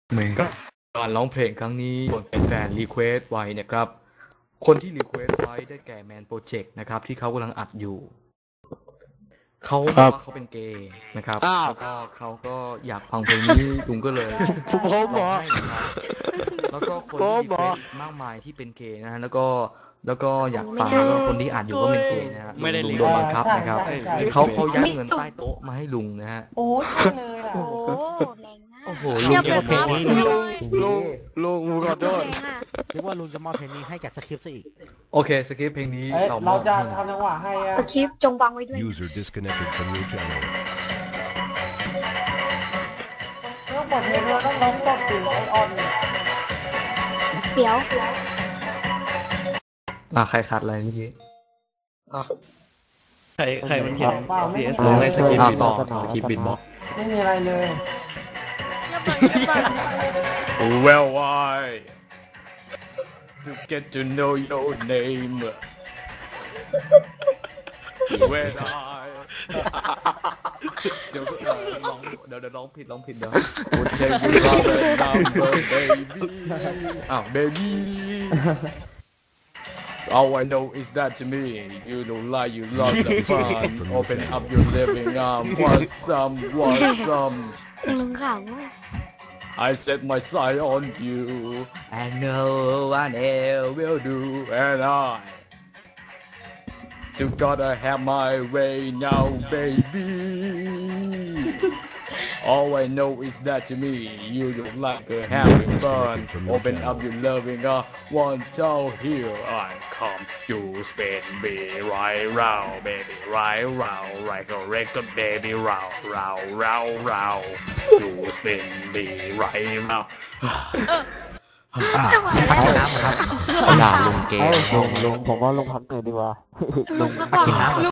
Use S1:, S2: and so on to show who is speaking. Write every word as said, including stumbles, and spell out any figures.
S1: เหมือนกับการร้องเพลงครั้งนี้โดนแฟนๆรีเควสไว้นะครับคนที่รีเควสไว้ได้แก่แมนโปรเจกต์นะครับที่เขากำลังอัดอยู่เขาบอกว่าเขาเป็นเกย์นะครับแล้วก็เขาก็อยากฟังเพลงนี้ลุงก็เลย
S2: ผมบอ
S1: ร้องให้นะครับแล้วก็คนที่รีเควสมากมายที่เป็นเกย์นะฮะแล้วก็แล้วก็อยากฟังแล้วก็คนที่อัดอยู่ก็เป็นเกย์นะฮะลุงโดนบังคับนะครับเขาเขายัดเงินใต้โต๊ะมาให้ลุงนะฮะ
S3: โอ้ยเลยอ่ะ
S4: โอ้แรงมาก
S1: โอ้โห
S4: เดี๋ยวเปิด
S2: เพลง
S4: บล็อก
S2: นี้
S4: ให้หน่อย
S2: ลุงลุงขอโทษ
S4: เพลงอ่ะ
S2: นึกว่าลุงจะมอบเพลงนี้ให้จากสคริปต์ซะอีก
S1: โอเคสคริปต์เพลงนี้
S3: เอ้ย
S1: เราม
S3: เรา
S1: อบ
S3: จะ
S1: ให้
S3: ทำจังหวะให้อ่ะ
S4: สคริปต์จงวางไว้ด้วย
S5: User disconnected from your channel.
S3: ต้องกดเพลงเราต้องร้องกดถึงไอออน
S4: เดี๋ยว
S1: อ่ะใครขาดอะไรเมื่อกี้
S2: ใครใครมันเขียน
S3: เปล่าไม่
S2: เสีย
S3: มี
S1: ลอง
S3: อะไร
S1: เล่นสคริปต์
S3: เลย
S1: บิดบ็อกซ์สคริปต์บิดบ็อกซ์
S3: ไม่มีอะไรเลย
S4: เดี๋ยวเปิดเดี๋ยวเปิด
S1: Well why to get to know your name when I เดี๋ยวเอ่อร้องเดี๋ยวเดี๋ยวร้องผิดร้องผิดเดี๋ยว Would take you out the number baby อ้าว baby All I know is that to me you don't lie you love the fun open up your living arm want some want some
S4: ลุงขำ
S1: I set my sight on you and no one else will do and I you gotta have my way now baby All I know is that to me you don't like to having fun open up your loving uh one child here I come you spin me right round baby right round right correct baby round round round round you spin me right round
S4: น้ำครับ
S1: ด่าลุงเกย์
S2: ลุงลุงผมว่าลุงพักเหนื่อยดีกว่า
S4: ลุงก็บอก